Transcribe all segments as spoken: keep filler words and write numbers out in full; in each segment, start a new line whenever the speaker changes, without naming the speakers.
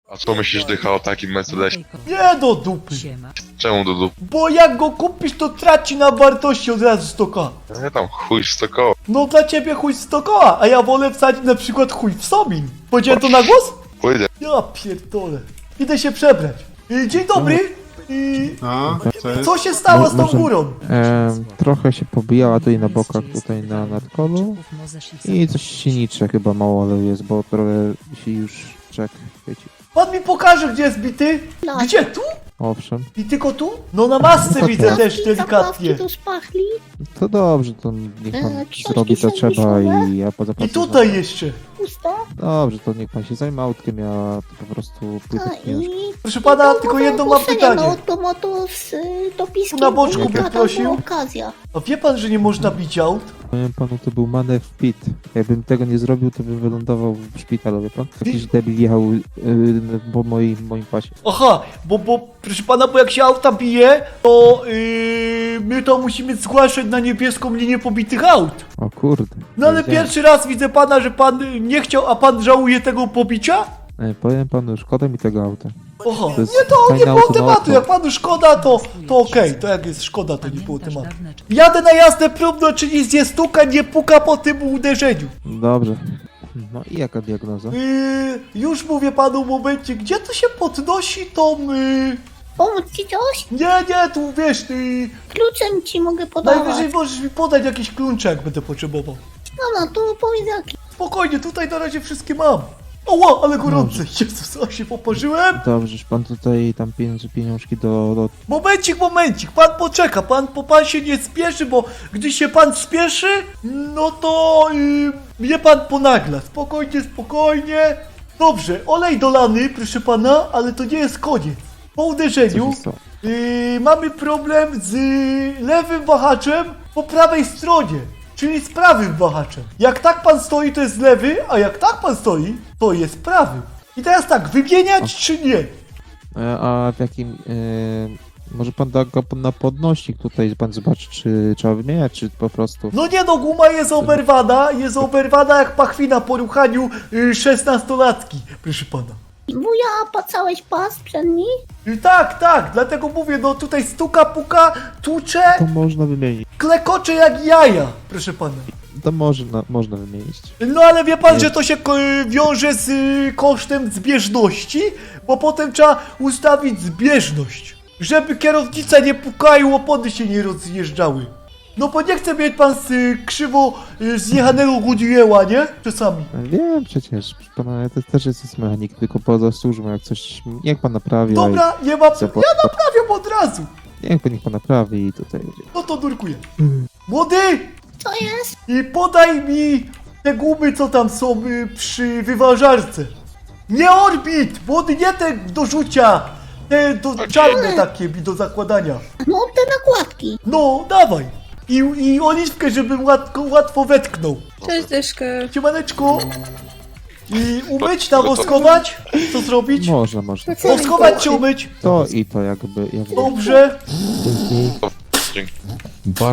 A co myślisz, Dycha, o takim Mercedesie?
Nie do dupy.
Czemu do dupy?
Bo jak go kupisz, to traci na wartości od razu sto koła.
Nie tam, chuj sto koła.
No dla ciebie chuj sto koła, a ja wolę wsadzić na przykład chuj w Somin. Powiedziałem to na głos?
Pójdę.
Ja pierdolę. Idę się przebrać. Y, Dzień dobry. Y,
No, co jest?
Co się stało z tą
Może-
górą?
Em, trochę się pobijała tutaj na bokach, tutaj na nadkolu i coś sinicze chyba mało ale jest, bo trochę się już czek chwyci.
Pan mi pokaże, gdzie jest bity? Gdzie? Tu?
Owszem,
I tylko tu? No na masce
No
widzę
tak.
też delikatnie.
tu szpachli.
to dobrze, to niech pan
E, książki
zrobi co trzeba
serwisowe?
i ja poza
I tutaj jeszcze.
Puste.
Dobrze, to niech pan się zajmie autkiem, ja to po prostu pójdę
A
w pieniążki.
i...
Proszę pana, tylko jedno mam pytanie.
No to moto z y, dopiskiem.
Na boczku
Taka
bym
tam
prosił.
była okazja.
A wie pan, że nie można bić aut?
Powiem panu, to był manewr pit. Jakbym tego nie zrobił, to bym wylądował w szpitalu, wie pan? Jakiś debil jechał yy, po moim, moim pasie.
Aha, bo, bo proszę pana, bo jak się auta bije, to yy, my to musimy zgłaszać na niebieską linię pobitych aut.
O kurde.
No ale
wiedziałem.
pierwszy raz widzę pana, że pan y, nie chciał, a pan żałuje tego pobicia?
E, Powiem panu, szkoda mi tego auta.
Aha,
To jest
nie to nie
fajne
było
auto na
tematu,
auto.
jak panu szkoda, to, to okej, to jak jest szkoda, to nie było tematu. Jadę na jazdę próbną, czy nic nie stuka, nie puka po tym uderzeniu.
Dobrze. No i jaka diagnoza?
Yy, już mówię panu w momencie, gdzie to się podnosi tą... Yy...
Pomóc ci coś?
Nie, nie, tu wiesz, yy...
Kluczem ci mogę podawać.
najwyżej możesz mi podać jakiś klucze, jak będę potrzebował.
No, no, to powiedz jaki.
Spokojnie, tutaj na razie wszystkie mam. Oła, ale gorące. Jezus, a się poparzyłem.
Dobrze, że pan tutaj tam pieniądze, pieniążki do, do...
Momencik, momencik, pan poczeka, pan, po pan się nie spieszy, bo gdy się pan spieszy, no to yy, mnie pan ponagla. Spokojnie, spokojnie. Dobrze, olej dolany, proszę pana, ale to nie jest koniec. Po
Co
uderzeniu
się stało?
yy, mamy problem z lewym wahaczem po prawej stronie, czyli z prawym wahaczem. Jak tak pan stoi, to jest lewy, a jak tak pan stoi, to jest prawy. I teraz tak, wymieniać czy nie?
E, a w jakim... E, może pan da go na podnośnik tutaj, pan zobaczy, czy trzeba wymieniać, czy po prostu...
No nie no, guma jest oberwana, jest oberwana jak pachwina po ruchaniu y, szesnastolatki, proszę pana.
Wuja, opacałeś pas przedni?
Y, tak, tak, dlatego mówię, no tutaj stuka, puka, tucze,
To można wymienić.
klekocze jak jaja, proszę pana.
To można, można wymienić.
No ale wie pan, że to się ko- y, wiąże z y, kosztem zbieżności, bo potem trzeba ustawić zbieżność, żeby kierownica nie pukała, opony się nie rozjeżdżały. No bo nie chce mieć pan z y, krzywo y, zjechanego Goodyeara, nie? Czasami.
E, Wiem przecież, proszę pana, ja też, też jest mechanik, tylko poza służbą, jak coś... Niech pan naprawi. a-
Dobra, nie ma...
Zapła-
Ja naprawiam od razu.
Niech pan, niech pan naprawi i tutaj będzie.
No to nurkuję. Młody!
Co jest?
I podaj mi te gumy, co tam są y, przy wyważarce. Nie orbit! Młody, nie te do rzucia! Te do, czarne takie mi do zakładania.
No, te nakładki.
No, dawaj! I, i oliwkę, żebym łatwo, łatwo wetknął.
Cześć, Dyszkę.
Siemaneczku! I umyć, nawoskować? Co zrobić?
Można, można.
Woskować czy umyć?
To i to jakby... jakby...
Dobrze.
Dzięki.
Bar...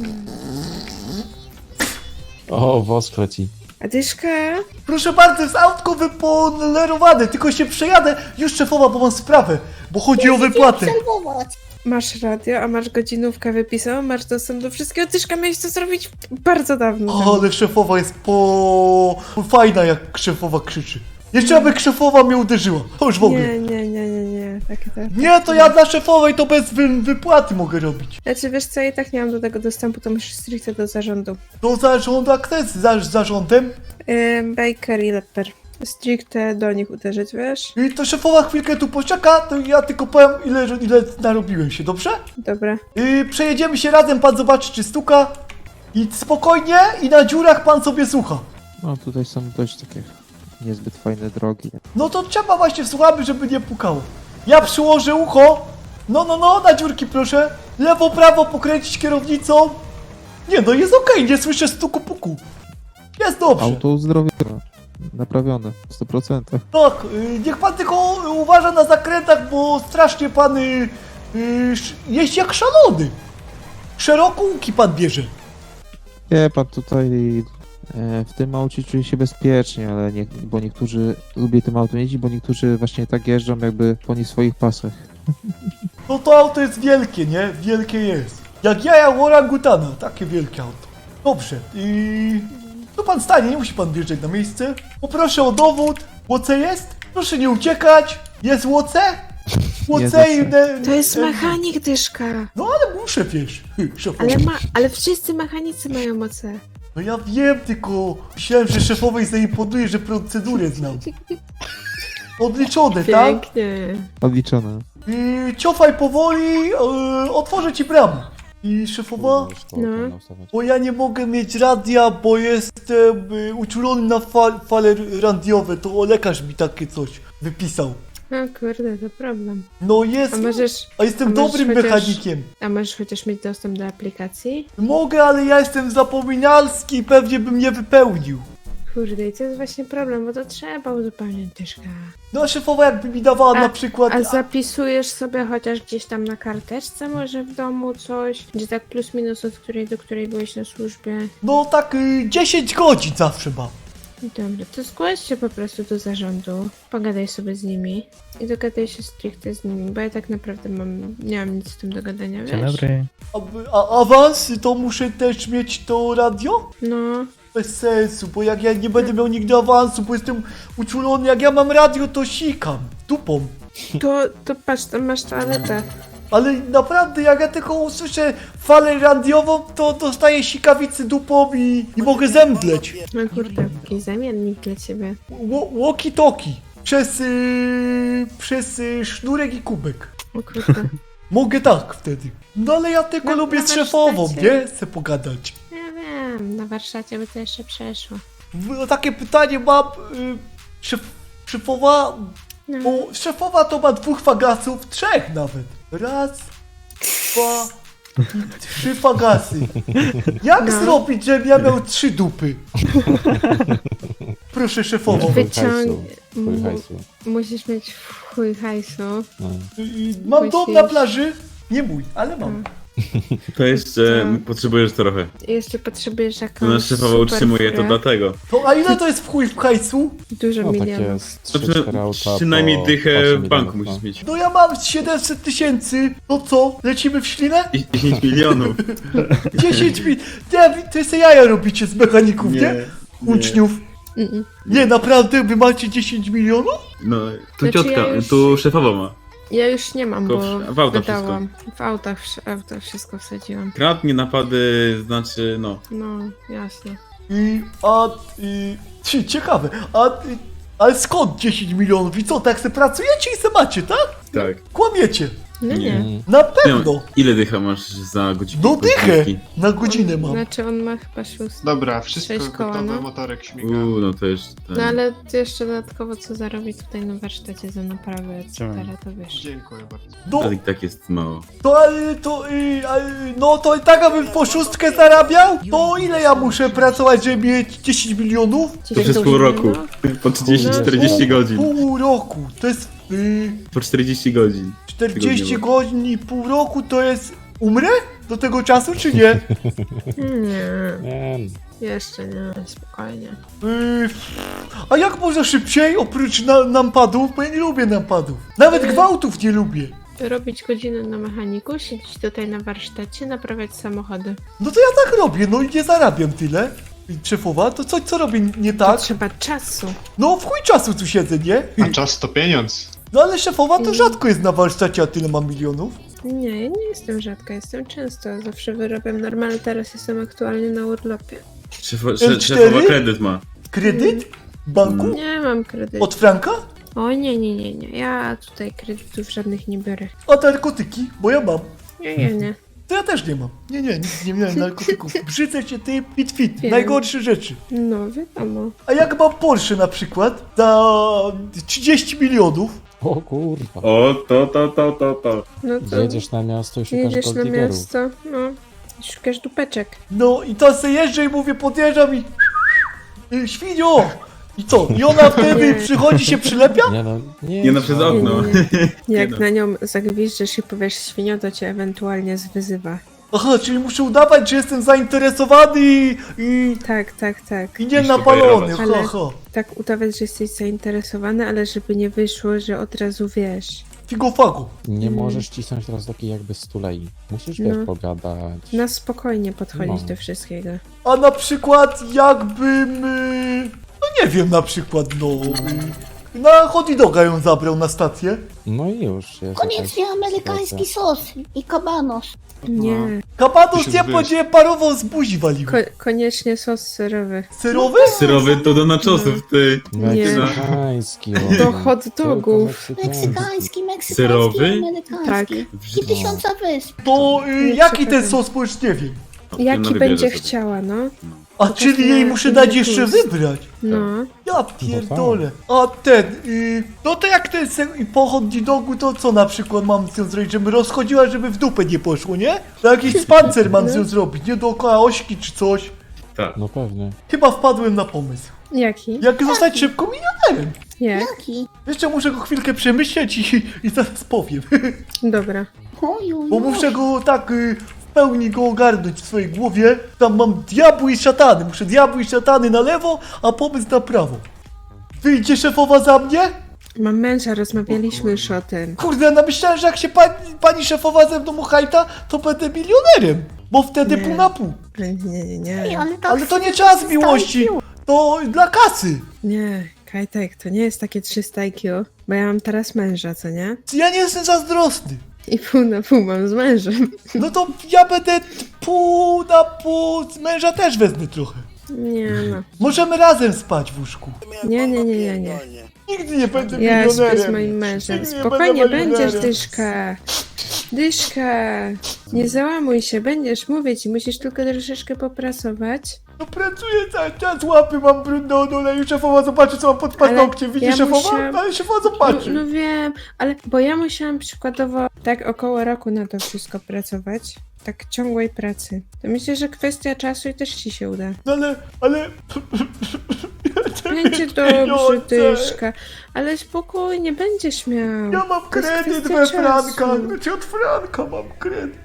O, wosk leci.
A Dyszka?
Proszę bardzo, jest autko wypolerowane, tylko się przejadę. Już szefowa, bo mam sprawę, bo chodzi o wypłatę.
Obserwować.
Masz radio, a masz godzinówkę wypisaną, masz dostęp do wszystkiego. Dyszka, miałeś to zrobić bardzo dawno
O,
temu.
ale szefowa jest po... fajna, jak szefowa krzyczy. Jeszcze aby szefowa mnie uderzyła. To już w ogóle.
Nie, nie, nie, nie, nie. Takie tak.
Nie, to ja dla szefowej to bez wy wypłaty mogę robić.
Znaczy, wiesz co, ja i tak nie mam do tego dostępu, to musisz stricte do zarządu.
Do zarządu, a kto jest za zarządem?
Ym, Baker i Lepper. Stricte do nich uderzyć, wiesz?
I to szefowa chwilkę tu poczeka, to ja tylko powiem, ile, ile narobiłem się, dobrze?
Dobra.
Yy, przejedziemy się razem, pan zobaczy, czy stuka. I spokojnie, i na dziurach pan sobie słucha.
No tutaj są dość takie niezbyt fajne drogi.
No to trzeba właśnie słuchamy, żeby nie pukało. Ja przyłożę ucho. No, no, no, na dziurki proszę. Lewo, prawo pokręcić kierownicą. Nie, no jest okej, nie słyszę stuku puku. Jest dobrze.
Auto uzdrowione, naprawione, w stu procentach.
Tak, y, niech pan tylko uważa na zakrętach, bo strasznie pan y, y, sz- jeździ jak szalony. Szeroko łuki pan bierze.
Wie pan, tutaj E, W tym aucie czuję się bezpiecznie, ale nie, bo niektórzy lubię tym autem jeździć, bo niektórzy właśnie tak jeżdżą jakby po nie swoich pasach.
No to auto jest wielkie, nie? Wielkie jest. Jak jaja orangutana, takie wielkie auto. Dobrze, i... Tu pan stanie, nie musi pan wjeżdżać na miejsce. Poproszę o dowód. Łoce jest? Proszę nie uciekać. Jest łoce? Łoce i...
Jest
ne-
To jest
e-
mechanik, dyszka.
No ale muszę, wiesz. Szefowo.
Ale ma, ale wszyscy mechanicy mają moce.
No ja wiem, tylko myślałem, że szefowej zaimponuje, że procedurę znam. Odliczone, tak?
Pięknie.
Odliczone.
I ciofaj powoli, e, otworzę ci bramę. I szefowa,
No.
bo ja nie mogę mieć radia, bo jestem e, uczulony na fal, fale radiowe, to lekarz mi takie coś wypisał.
O kurde, to problem.
No jest,
A możesz,
a jestem
a możesz
dobrym
chociaż-
mechanikiem.
a możesz chociaż mieć dostęp do aplikacji?
Mogę, ale ja jestem zapominalski i pewnie bym nie wypełnił.
Kurde, i to jest właśnie problem, bo to trzeba uzupełniać dyszka.
No a szefowa jakby mi dawała
A-
na przykład...
A zapisujesz sobie chociaż gdzieś tam na karteczce może w domu coś? Gdzie tak plus minus od której do której byłeś na służbie?
No tak y, dziesięć godzin zawsze mam.
Dobra, to zgłoś się po prostu do zarządu, pogadaj sobie z nimi i dogadaj się stricte z nimi, bo ja tak naprawdę mam, nie mam nic z tym do gadania, wiesz?
Dzień dobry.
A, a awans to muszę też mieć to radio?
No,
Bez sensu, bo jak ja nie będę miał nigdy awansu, bo jestem uczulony, jak ja mam radio, to sikam dupą.
to, to patrz, tam masz toaletę.
Ale naprawdę, jak ja tylko usłyszę falę radiową, to dostaję sikawicy dupą i, i mogę zemdleć.
No kurde, taki zamiennik dla ciebie.
Walkie-talkie. Przez, yy, przez yy, sznurek i kubek.
O kurde.
Mogę tak wtedy. No ale ja tylko
No,
lubię
na
z szefową,
warsztacie.
nie? Chcę pogadać.
Ja wiem, na warsztacie by to jeszcze przeszło.
W- Takie pytanie mam, yy, szef, szefowa,
No.
bo szefowa to ma dwóch fagasów, trzech nawet. Raz, dwa, i trzy fagasy. Jak
No.
zrobić, żebym ja miał trzy dupy? Proszę szefową.
Wyciąg...
Chuj
mu-
hajsu.
Musisz mieć w chuj hajsu.
No.
I Mam dom na
Musisz.
plaży, nie mój, ale mam.
To jeszcze
Tak.
potrzebujesz trochę.
I jeszcze potrzebujesz jakąś
To nasz szefowa
super
utrzymuje to
furę.
dlatego.
To a ile to jest w chuj w hajsu?
Dużo
No takie
milionów.
z
To
trzy cztery auta
przynajmniej
po
dychę
osiem
w banku
milionów,
musisz
no.
mieć.
No ja mam siedemset tysięcy, no co, lecimy w ślinę?
I dziesięć milionów.
dziesięć mil... Nie, to jest jaja robicie z mechaników, nie? Uczniów.
Mm-mm.
Nie, naprawdę, wy macie dziesięć milionów?
No, tu
Znaczy,
ciotka,
ja już-
tu szefowa ma.
Ja już nie mam,
Tylko
bo
w- w auta
wydałam. W autach, w autach wszystko wsadziłam.
Kradnie, napady, znaczy no.
No, jasne.
I, a, i... Ci, ciekawe, a, i, ale skąd dziesięć milionów? I co, tak se pracujecie i se macie, tak?
Tak.
Kłamiecie.
No nie.
Mm.
Na
Nie,
pewno.
ile dycha masz za godzinę?
No dychę. Na godzinę
On,
mam.
Znaczy on ma chyba szóst.
Dobra, wszystko
Sześć koła,
gotowe,
no.
motorek śmiga.
Uuu, no to jeszcze...
No ale jeszcze dodatkowo co zarobi tutaj na warsztacie za naprawę, et cetera,
Chciałem.
to wiesz.
Dziękuję bardzo.
No,
Ale i tak jest mało.
to, ale to, y, a, y, no to i tak, abym po szóstkę zarabiał? To ile ja muszę pracować, żeby mieć dziesięć milionów?
To przez pół roku. Po trzydzieści czterdzieści
Pół-
godzin.
Pół roku, to jest y,
Po czterdzieści godzin.
czterdzieści
Tygodniowo.
godzin i pół roku, to jest... Umrę do tego czasu, czy nie?
Nie,
Nie,
jeszcze nie, spokojnie.
Yy, a jak można szybciej, oprócz na, nampadów, bo ja nie lubię nampadów. Nawet gwałtów nie lubię.
Robić godziny na mechaniku, siedzieć tutaj na warsztacie, naprawiać samochody.
No to ja tak robię, no i nie zarabiam tyle. I szefowa, to co, co robię nie
To
tak?
trzeba czasu.
No w chuj czasu tu siedzę, nie?
A czas to pieniądz.
No ale szefowa to rzadko jest na warsztacie, a tyle mam milionów.
Nie, ja nie jestem rzadka, jestem często, zawsze wyrabiam normalnie, teraz jestem aktualnie na urlopie.
Szefo,
L
sze,
cztery?
szefowa kredyt ma.
Kredyt? W banku?
Nie mam kredytu.
Od Franka?
O nie, nie, nie, nie, ja tutaj kredytów żadnych nie biorę.
A narkotyki? Bo ja mam.
Nie, nie, nie.
To ja też nie mam. Nie, nie, nigdy nie miałem narkotyków. Brzydzę się ty, fit fit.
Wiem.
Najgorsze rzeczy.
No, wiadomo.
A jak mam Porsche na przykład za trzydzieści milionów,
o kurwa.
O, to, to, to, to, to.
No to
Jedziesz na miasto i szukasz
jedziesz na
golddiggerów.
miasto, no, i szukasz dupeczek.
no i to se jeżdżę i mówię, podjeżdżam i... y, Świnio! I co? I ona wtedy
Nie.
przychodzi, się przylepia?
Nie no, nie,
Nie no, przez okno.
Nie, nie, nie. Jak
no.
na nią zagwiżdżysz i powiesz świnio, to cię ewentualnie zwyzywa.
Aha, czyli muszę udawać, że jestem zainteresowany i, i,
Tak, tak, tak.
i nie
Musisz
napalony, ha,
Ale-
ha.
Tak udawać, że jesteś zainteresowany, ale żeby nie wyszło, że od razu wiesz.
Figo fago.
Nie
Mm.
możesz cisnąć teraz takiej jakby stulei. Musisz,
No.
wiesz, pogadać.
Na spokojnie podchodzić
No.
do wszystkiego.
A na przykład jakbym... y, No nie wiem, na przykład, no... y, Na hot doga ją zabrał na stację.
No i już jest.
Koniecznie
jakaś
amerykański
sytuacja.
sos i kabanos.
Nie.
Kapatos
Ty
nie
się
będzie parował z buzi walił.
Ko koniecznie sos serowy.
Serowy?
Syrowy to do nachosów, ty.
Meksykański.
Do hot dogów.
Meksykański, meksykański,
Syrowy?
amerykański.
Tak.
I tysiąca wysp.
To y,
Nie
jaki ten
przepadam.
sos, bo już nie wiem.
Jaki
wybierze
będzie
sobie.
chciała, no.
A
To
czyli
tak
jej
na
muszę
inny
dać jeszcze
gust.
wybrać.
No.
Ja pierdolę. A ten, y, no to jak ten se, i po hot dogu, to co na przykład mam z nią zrobić, żeby rozchodziła, żeby w dupę nie poszło, nie? To jakiś spancer mam z nią zrobić, nie dookoła ośki czy coś.
Tak.
No pewnie.
Chyba wpadłem na pomysł.
Jaki?
Jak zostać szybko milionerem?
Jak?
Jaki?
Jeszcze muszę go chwilkę przemyśleć i, i zaraz powiem.
Dobra.
Oju,
Bo muszę go tak y, w pełni go ogarnąć w swojej głowie. Tam mam diabły i szatany. Muszę diabły i szatany na lewo, a pomysł na prawo. Wyjdzie szefowa za mnie?
Mam męża, rozmawialiśmy już o tym.
Kurde, no myślałem, że jak się pani, pani szefowa ze mną uchajta, to będę milionerem. Bo wtedy
Nie.
pół na pół.
Nie, nie, nie.
Ej, ale, tak
Ale to nie czas miłości. To dla kasy.
Nie, Kajtek, to nie jest takie trzysta I Q, bo ja mam teraz męża, co nie?
Ja nie jestem zazdrosny.
I pół na pół mam z mężem.
No to ja będę pół na pół. Z męża też wezmę trochę.
Nie no.
Możemy razem spać w łóżku.
Nie, nie, nie, nie, nie.
Nigdy nie będę
Ja
milionerem.
śpię z moim mężem.
Nigdy nie
Spokojnie,
będę
będziesz,
milionerem.
Dyszka. Dyszka. Nie załamuj się, będziesz, mówię ci, musisz tylko troszeczkę popracować.
No pracuję cały czas, łapy mam brudne od oleju, szefowa zobaczy co mam pod paznokciem, widzi
ja
szefowa?
musiałam-
Ale szefowa
No,
zobaczy.
no wiem, ale bo ja musiałam przykładowo tak około roku na to wszystko pracować. Tak ciągłej pracy. To myślę, że kwestia czasu i też ci się uda.
No ale, ale...
Będzie dobrze, Dyszka. Ale spokojnie, będziesz miał.
Ja mam
To jest
kredyt
kwestia
we
czasu.
Franka, znaczy od Franka mam kredyt.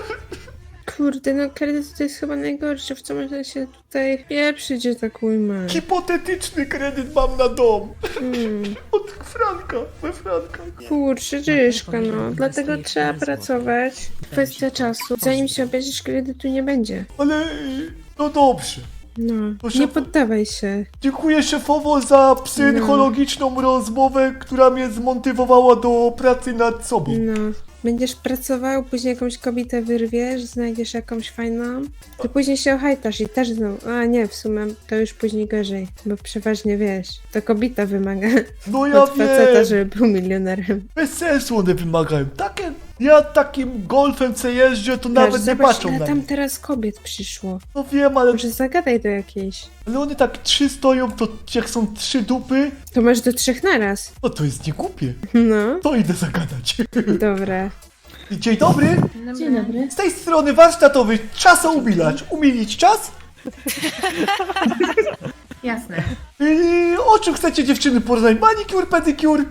Kurde, no kredyt to jest chyba najgorsze, w co można się tutaj pieprzyć, że tak ujmę.
Hipotetyczny kredyt mam na dom.
Mm.
Od Franka, we Franka.
Kurczę, Dyszka, no. Dlatego trzeba pracować. Kwestia czasu. Zanim się obierzesz, kredytu nie będzie.
Ale, y, no dobrze.
No,
Proszę
nie
po-
poddawaj się.
Dziękuję szefowo za psychologiczną rozmowę, która mnie zmotywowała do pracy nad sobą.
No. Będziesz pracował, później jakąś kobietę wyrwiesz, znajdziesz jakąś fajną, to później się ohajtasz i też znowu, a nie, w sumie to już później gorzej, bo przeważnie wiesz, to kobieta wymaga
No ja
od faceta,
wiem,
żeby był milionerem.
bez sensu one wymagają. Takie, ja takim golfem co jeżdżę, to nawet
Patrz,
nie
zobacz,
patrzą
ile
na
tam
mnie.
teraz kobiet przyszło.
No wiem, ale,
Może zagadaj do jakiejś.
ale one tak trzy stoją, to jak są trzy dupy,
To masz do trzech naraz.
no to jest niegłupie.
No,
To idę zagadać.
dobra.
Dzień dobry,
Dzień dobry.
z tej strony warsztatowy czasoubilacz. Umilić czas?
Jasne.
Yy, o czym chcecie dziewczyny porozmawiać? Manicure, pedicure?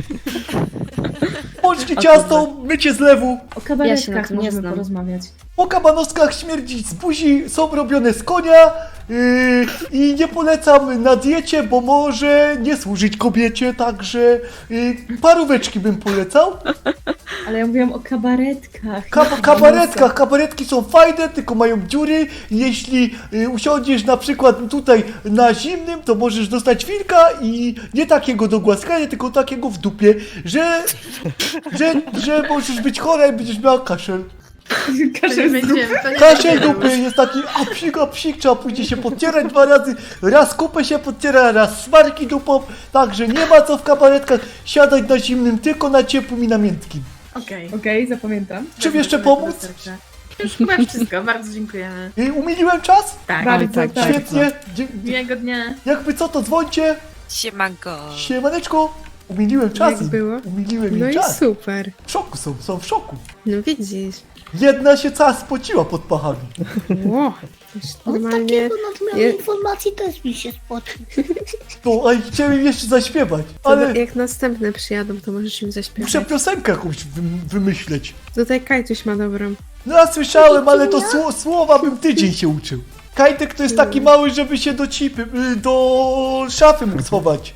Polskie ciasto, mycie z lewu.
O kabaretkach
Ja się na tym nie
możemy
znam.
porozmawiać.
Po kabanostkach śmierdzi z buzi, są robione z konia yy, i nie polecam na diecie, bo może nie służyć kobiecie, także yy, paróweczki bym polecał.
Ale ja mówiłam o kabaretkach.
Kab kabaretkach, kabaretki są fajne, tylko mają dziury. Jeśli y, usiądziesz na przykład tutaj na zimnym, to możesz dostać wilka i nie takiego do głaskania, tylko takiego w dupie, że, że, że możesz być chora i będziesz miała kaszel.
Kaszel będziemy. To nie
Kaszel
będziemy.
dupy jest taki a psik, a psik, trzeba później się podcierać dwa razy, raz kupę się podciera, raz smarki dupą, także nie ma co w kabaretkach siadać na zimnym, tylko na ciepłym i na miętkim.
Okej.
Okej, zapamiętam.
Czym jeszcze pomóc?
Już chyba wszystko, bardzo dziękujemy.
Y, umiliłem czas?
Tak.
Bardzo,
tak,
tak.
Świetnie. Dzie-
Miłego dnia.
Jakby co, to dzwońcie.
Siemanko.
Siemaneczko. Umiliłem czasy.
Jak było?
Umiliłem
No
im
i
czas.
super.
W szoku są, są w szoku.
No widzisz.
Jedna się cała spociła pod pachami.
Ło, już
Od
normalnie...
takiego nadmiaru
je-
informacji też mi się spocił.
No, a i chciałem im jeszcze zaśpiewać,
To
ale
jak następne przyjadą, to możesz im zaśpiewać.
muszę piosenkę jakąś wy- wymyśleć.
Tutaj Kajtuś ma dobrą.
No ja słyszałem, ale to sło- słowa bym tydzień się uczył. Kajtek to jest taki mały, żeby się do cipy, y, do szafy mógł schować.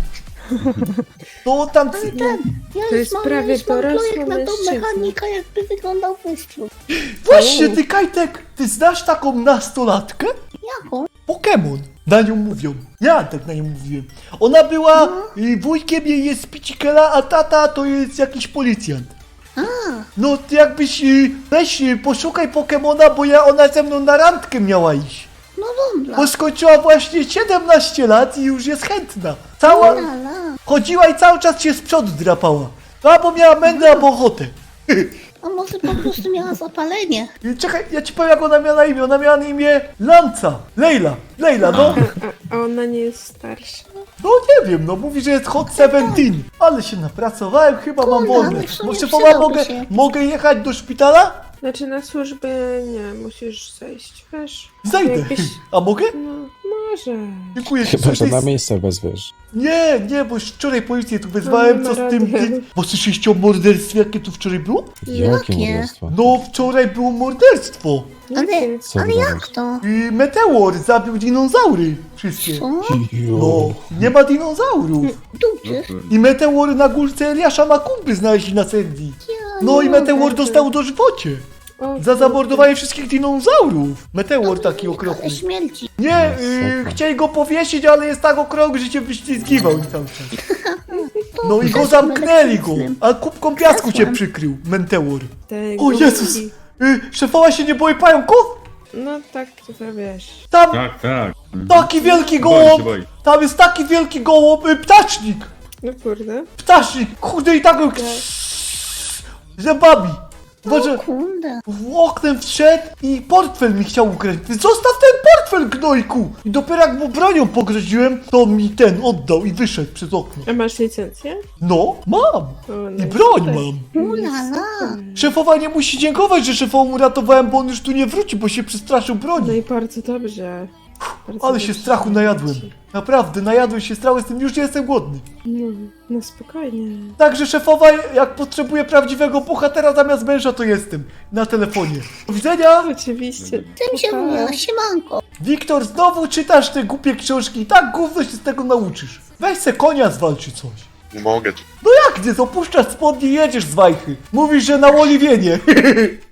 To tam...
Ale ten, ja
To
już
jest
mam,
prawie
ja już mam
dorosły
projekt na tą
mężczyzna.
mechanika, jakby wyglądał wystrzał.
Właśnie, ty Kajtek, ty znasz taką nastolatkę?
Jaką?
Pokémon. Na nią mówią. Ja tak na nią mówiłem. Ona była, y, wujkiem jej jest Picikela, a tata to jest jakiś policjant.
A,
No ty jakbyś, y, weź y, poszukaj Pokemona, bo ja ona ze mną na randkę miała iść.
no dobra.
Bo skończyła właśnie siedemnaście lat i już jest chętna. Cała,
Lala.
chodziła i cały czas się z przodu drapała. Albo miała mędę, albo ochotę.
A może po prostu miała zapalenie?
Y, Czekaj, ja ci powiem jak ona miała na imię. Ona miała na imię Lanca. Lejla. Lejla, no.
A ona nie jest starsza?
No nie wiem, no mówi, że jest hot seventeen. Ale się napracowałem, chyba mam
Kurde,
wolne.
ale w sumie
Może
przydałby
powa mogę,
się.
mogę jechać do szpitala?
Znaczy na służbę nie, musisz zejść, wiesz?
Zajdę.
Jakbyś...
A mogę?
No, może.
Dziękuję.
Chyba,
Coś
że
jest-
na miejsce wezwiesz.
Nie, nie, bo już wczoraj policję tu wezwałem,
No, nie
co
ma
z tym...
rady.
Ty... Bo słyszeliście o morderstwie, jakie tu wczoraj było?
Jakie
Jakie?
morderstwo?
No, wczoraj było morderstwo.
Ale,
Co
ale
wydarzyło?
jak to?
I meteor zabił dinozaury. Wszystkie.
Co?
No, nie ma dinozaurów.
Dupcie.
I meteor na górce Eliasza Makumby znaleźli na Sandy. No i meteor dostał dożywocie.
O,
Za zamordowanie wszystkich dinozaurów. Meteor taki okropny.
Ale śmierci.
Nie,
No,
yy,
super.
chcieli go powiesić, ale jest tak okrągły, że cię wyślizgiwał i cały czas. No i go
Kresłem
zamknęli go,
elektrycznym.
a kubką piasku cię
Kresłem.
przykrył, Meteor.
Tego
O Jezus!
mówi.
Yy, szefowa się nie boi pająków?
No tak, to wiesz.
Tam
Tak, tak.
taki wielki
Boi się,
gołąb,
boi.
tam jest taki wielki gołąb, yy, ptacznik,
No kurde.
ptacznik, kurde i tak go zębami. Boże,
O kurde.
w oknem wszedł i portfel mi chciał ukraść. Ty zostaw ten portfel, gnojku! I dopiero jak mu bronią pogroziłem, to mi ten oddał i wyszedł przez okno.
A masz licencję?
No, mam.
O, no
I broń
super.
mam.
Ulala.
Szefowa nie musi dziękować, że szefową uratowałem, bo on już tu nie wróci, bo się przestraszył
No
broni.
i bardzo dobrze. Bardzo
Ale się
dobrze.
strachu najadłem. Naprawdę, najadłem się strachu, jestem, już nie jestem głodny.
No, no spokojnie.
Także szefowa, jak potrzebuje prawdziwego bohatera zamiast męża, to jestem. Na telefonie. Do widzenia!
Oczywiście.
Tym się
Pa.
mówiła, siemanko.
Wiktor, znowu czytasz te głupie książki i tak gówno się z tego nauczysz. Weź se konia zwalczy coś.
Nie mogę.
No jak nie, opuszczasz spodnie i jedziesz z wajchy. Mówisz, że na oliwienie.